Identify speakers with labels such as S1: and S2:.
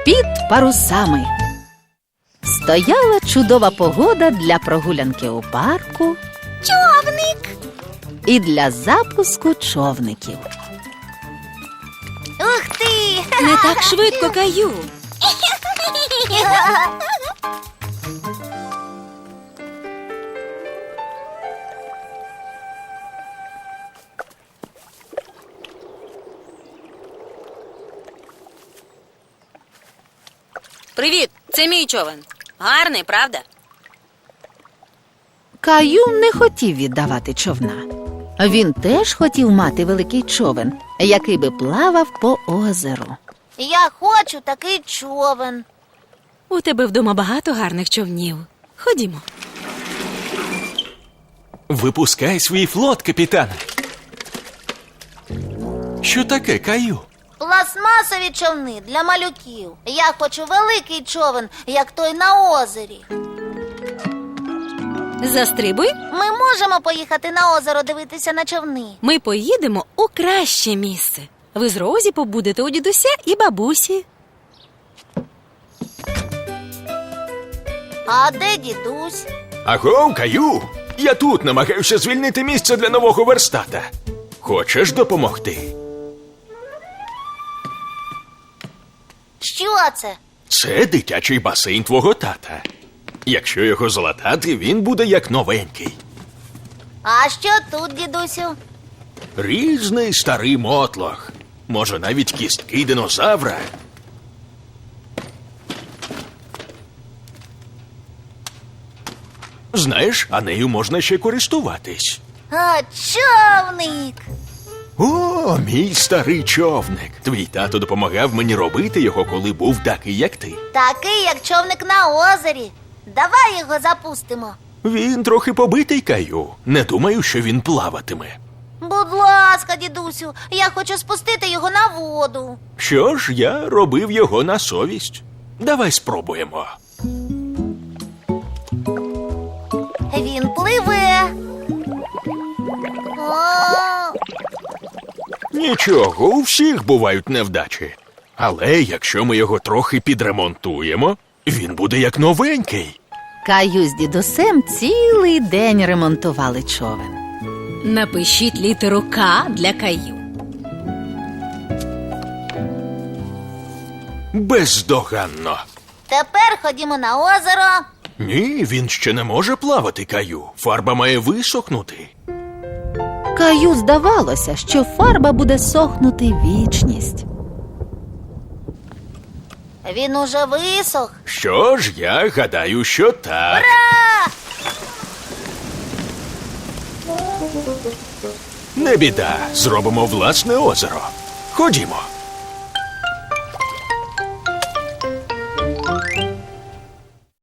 S1: Під парусами. Стояла чудова погода для прогулянки у парку
S2: Човник!
S1: і для запуску човників.
S2: Ух ти!
S3: Не так швидко, Каю. Привіт, це мій човен. Гарний, правда?
S1: Каю не хотів віддавати човна. Він теж хотів мати великий човен, який би плавав по озеру.
S2: Я хочу такий човен.
S3: У тебе вдома багато гарних човнів. Ходімо.
S4: Випускай свій флот, капітане. Що таке, Каю?
S2: Пластмасові човни для малюків. Я хочу великий човен, як той на озері.
S3: Застрибуй.
S2: Ми можемо поїхати на озеро дивитися на човни.
S3: Ми поїдемо у краще місце. Ви з Розі побудете у дідуся і бабусі.
S2: А де дідусь?
S4: Агов, Каю! Я тут намагаюся звільнити місце для нового верстата. Хочеш допомогти?
S2: Що це?
S4: Це дитячий басейн твого тата. Якщо його залатати, він буде як новенький.
S2: А що тут, дідусю?
S4: Різний старий мотлох. Може, навіть кістки динозавра. Знаєш, а нею можна ще користуватись.
S2: А, човник!
S4: О, мій старий човник. Твій тато допомагав мені робити його, коли був такий, як ти.
S2: Такий, як човник на озері. Давай його запустимо.
S4: Він трохи побитий, Каю. Не думаю, що він плаватиме.
S2: Будь ласка, дідусю, я хочу спустити його на воду.
S4: Що ж, я робив його на совість. Давай спробуємо.
S2: Він пливе. О,
S4: Нічого, у всіх бувають невдачі. Але якщо ми його трохи підремонтуємо, він буде як новенький.
S1: Каю з дідусем цілий день ремонтували човен.
S3: Напишіть літеру К для Каю.
S4: Бездоганно.
S2: тепер ходімо на озеро.
S4: Ні, він ще не може плавати, Каю. Фарба має висохнути.
S1: Каю здавалося, що фарба буде сохнути вічність.
S2: Він уже висох.
S4: Що ж, я гадаю, що так. Не біда, зробимо власне озеро. Ходімо.